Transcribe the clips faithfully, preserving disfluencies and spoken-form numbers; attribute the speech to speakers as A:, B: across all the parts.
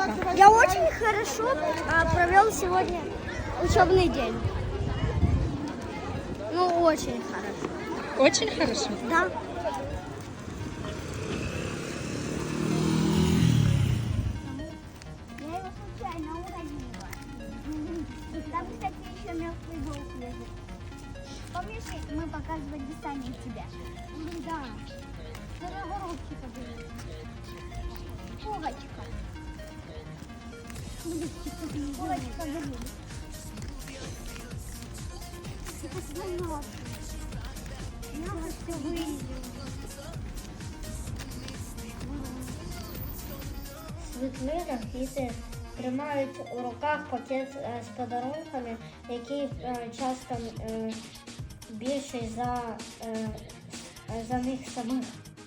A: Яночка?
B: Я очень хорошо а, провел сегодня учебный день. Ну, очень хорошо.
A: Очень хорошо.
B: Да. Я его случайно уронила. Там, кстати, еще мертвый волк лежит. Помнишь, мы показывали сами тебя? Да. Дорогоробчика были. Пуговочка. Пуговочка были. Я вот все вылезла.
C: Світлина діти тримають у руках пакет е, з подарунками, який е, часто е, більший за, е, за них самих.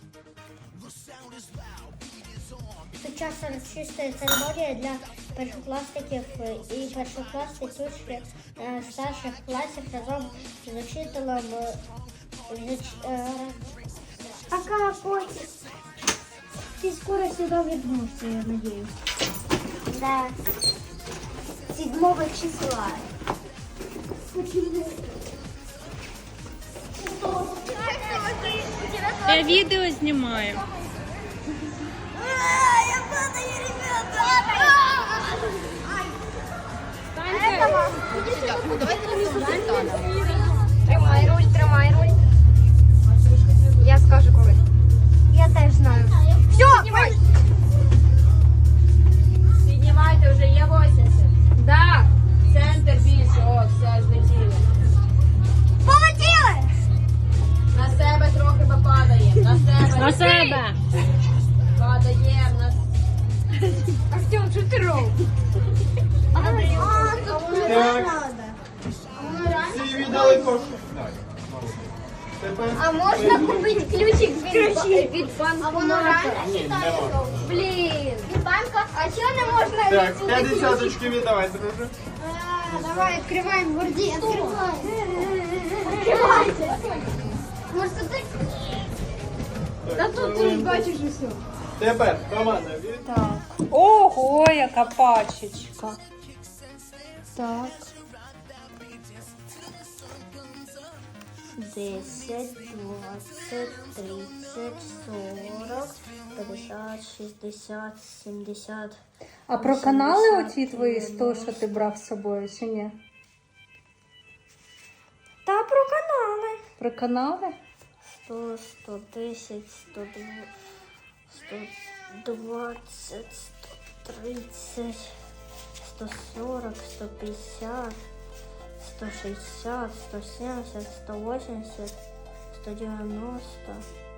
C: Сучасна чиста церемонія для першокласників і першокласників е, старших класів разом з учителем. е, з- е,
B: Пока, котик. Ты скоро сюда вернешься, я надеюсь. Да. Седьмого числа. Почему?
A: Я відео знімаю.
B: Я падаю, ребята!
D: Тримай руль, тримай руль. Я скажу коли.
B: Я теж знаю. Все,
D: Піднімай. Піднімайте, вже є вісімдесят. Да. Центр більше, о, все, злетіли.
B: полетіли!
D: На себе трохи попадаємо, на себе.
A: На себе.
D: Падаємо, на... Артем, що ти робиш?
E: Всі віддали кошти. Тепер
D: А можна купити ключик від, від
B: А воно реально
E: ні, нема.
D: Блін.
B: Від банка? А чого не можна
E: Так,
B: відсюди
E: п'ять десяточки віддавай, друже.
B: А, давай, открываем гвардии. Открывай. Открывайте. Может, ты...
E: Да тут ти ж бачиш усе. Тепер команда від...
A: Так. Ого, яка пачечка. Так.
C: десять, двадцять, тридцять, сорок, п'ятдесят, шістдесят, сімдесят.
A: А про канали оті твої сто, що ти брав з собою, чи ні?
B: Та про канали.
A: Про канали?
C: сто, сто десять, сто двадцять, сто тридцять, сто сорок, сто п'ятдесят, сто шістдесят, сто сімдесят, сто вісімдесят, сто дев'яносто,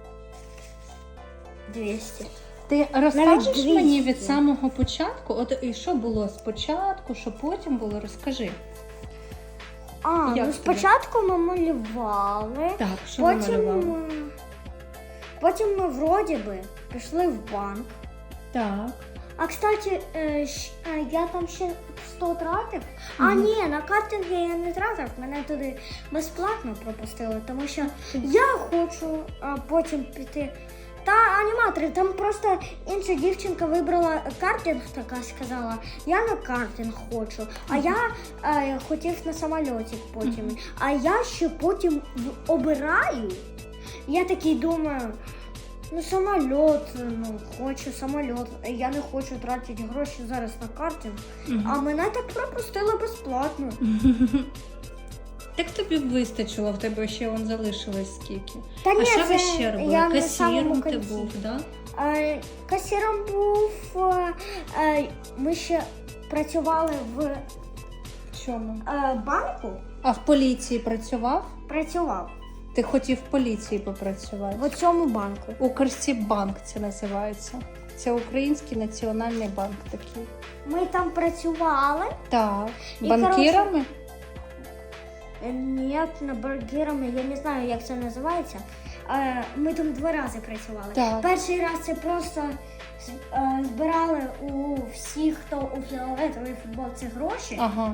C: двісті.
A: Ти розкажеш
B: двісті.
A: мені від самого початку? От і що було спочатку, що потім було? Розкажи.
B: А,
A: Як
B: ну
A: тобі?
B: спочатку ми малювали.
A: Так, що ви
B: Потім,
A: малювали?
B: ми- потім ми вроді би пішли в банк.
A: Так.
B: А, кстати, е, щ- е, я там ще сто тратив. А, ні, на картинги я не тратив, мене туди безплатно пропустили, тому що я хочу а, потім піти. Та аніматори, там просто інша дівчинка вибрала картинг, така сказала, я на картинг хочу, а я е, хотів на самольоті потім. А я ще потім в- обираю. Я такий думаю, ну самоліт, ну хочу самоліт. Я не хочу тратити гроші зараз на картинг. А мене так пропустили безплатно.
A: Так тобі вистачило, в тебе ще вон залишилось скільки.
B: Та
A: А
B: ні,
A: що ви
B: це
A: ще робили?
B: я на самому
A: Касіром ти
B: кінці.
A: був, да?
B: Е, Касіром був. е, е, Ми ще працювали в е,
A: Чому?
B: банку.
A: А в поліції працював?
B: Працював
A: Ти хотів в поліції попрацювати?
B: в цьому банку.
A: Укрсіббанк це називається. Це Український національний банк такий.
B: Ми там працювали.
A: Так.
B: І,
A: Банкірами?
B: Е, Ні, не бургерами, я не знаю, як це називається. Е, Ми там два рази працювали.
A: Так.
B: Перший раз це просто з- е, збирали у всіх, хто у фіолетовій футболці гроші.
A: Ага.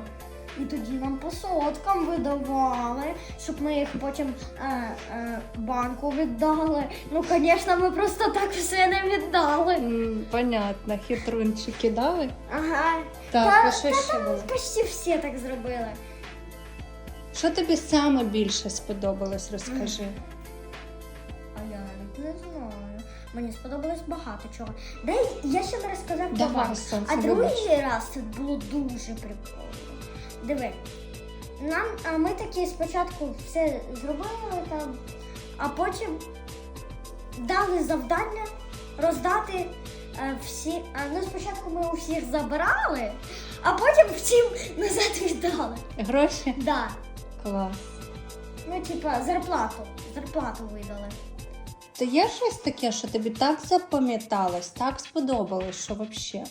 B: І тоді нам по соткам видавали, щоб ми їх потім е, е, банку віддали. Ну, звісно, ми просто так все не віддали.
A: М, Понятно, хитрунчики дали?
B: Ага.
A: Так,
B: Та-
A: а що
B: та
A: ще
B: там
A: було?
B: почти всі так зробили.
A: Що тобі саме більше сподобалось, розкажи.
B: А я навіть не знаю. Мені сподобалось багато чого. Дай я ще не розказав про
A: Давай,
B: банк.
A: сонце,
B: А другий
A: вибач.
B: раз це було дуже прикольно. Диви. Нам, а ми такі спочатку все зробили там, а потім дали завдання роздати е, всі. А, ну, спочатку ми у всіх забирали, а потім всім назад віддали.
A: Гроші?
B: Да.
A: Клас.
B: Ну, типа, зарплату. Зарплату видали.
A: То є щось таке, що тобі так запам'яталось, так сподобалось, що взагалі?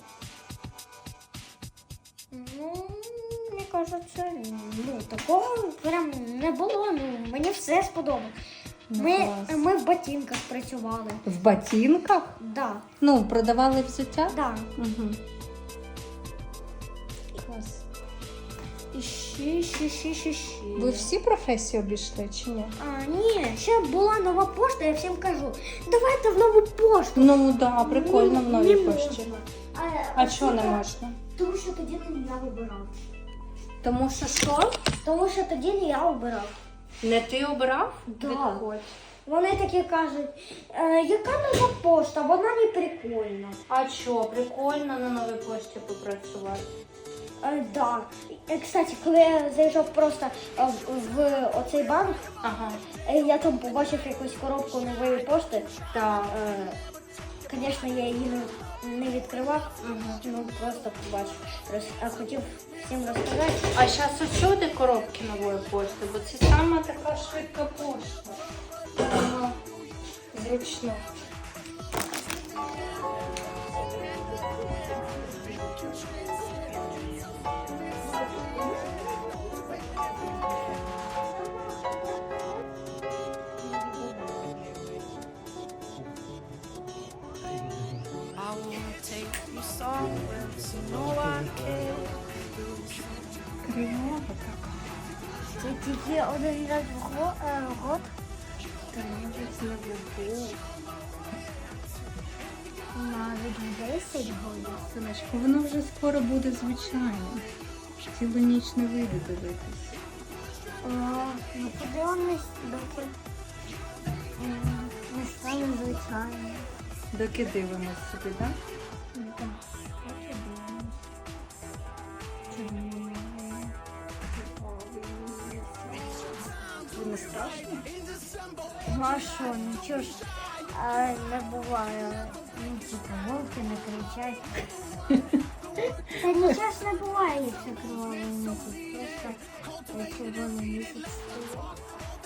B: Ну, мені кажеться, ну, такого прям не було. Ну, мені все сподобалось.
A: Ну,
B: Ми,
A: клас.
B: ми в ботинках працювали.
A: В ботинках?
B: Да,
A: Ну, продавали взуття?
B: да.
A: Угу. Клас.
B: І ще, ще, ще, ще, ще.
A: Ви всі професії обійшли чи ні?
B: А, ні, ще була нова пошта, я всім кажу, давайте в нову пошту.
A: Ну, да, прикольно в новій
B: Не
A: пошті.
B: можна.
A: А чого не
B: типа,
A: можна?
B: Тому що тоді не я вибирав.
A: Тому що що?
B: Тому що тоді не я обирав.
A: Не ти обрав?
B: Да.
A: Відходь.
B: Вони такі кажуть, е, яка нова пошта, вона не прикольна.
A: А що, прикольно на новій пошті попрацювати?
B: Е, да. Е, Кстати, коли я заїжджав просто е, в, в оцей банк,
A: Ага.
B: е, я там побачив якусь коробку нової пошти.
A: Так.
B: Е, Звісно, я її не, не відкривав, ну просто побачив. Роз, а хотів всім розказати.
A: А зараз усюди коробки нової пошти, бо це саме така швидка пошта. Ага. Зручно.
F: I wanna take you somewhere so no one can lose.
A: Кривава така.
B: Це тільки один раз в го- е, год. Навіть десять годин.
A: Синочко, воно вже скоро буде звичайно. Цілу ніч не вийде дивитись.
B: О, ну подивимось, доки м, не стане звичайно.
A: Доки дивимось собі, так? Не страшно?
B: Ну а що, нічого ж а, не буває. Ну, типу, вовки не кричать. Та нічого ж не буває, якщо кривавий місяць. Просто червоний місяць стоїть.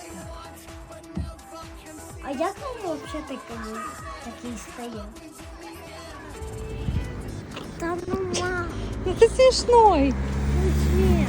B: А як він взагалі такий, такий стає? Та ну ма,
A: Ти смішний.
B: ну ні.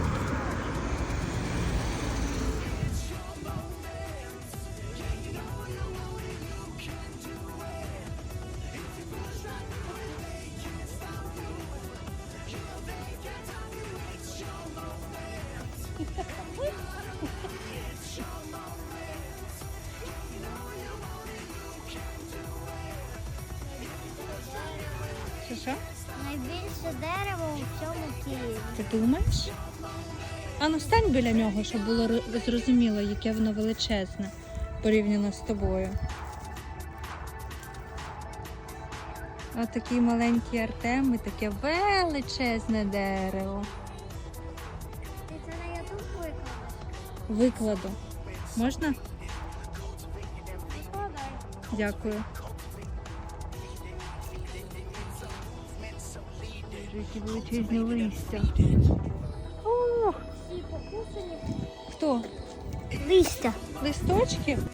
A: Що, що?
B: Найбільше дерево у всьому Києві.
A: Ти думаєш? А ну стань біля нього, щоб було ро- зрозуміло, яке воно величезне порівняно з тобою. Ось такий маленький Артем і таке величезне дерево.
B: Ти це на ютуб викладеш?
A: Викладу. Можна?
B: Викладай.
A: Дякую. Які величезні листя. Ох,
B: Всі покусані.
A: хто?
B: Листя.
A: Листочки?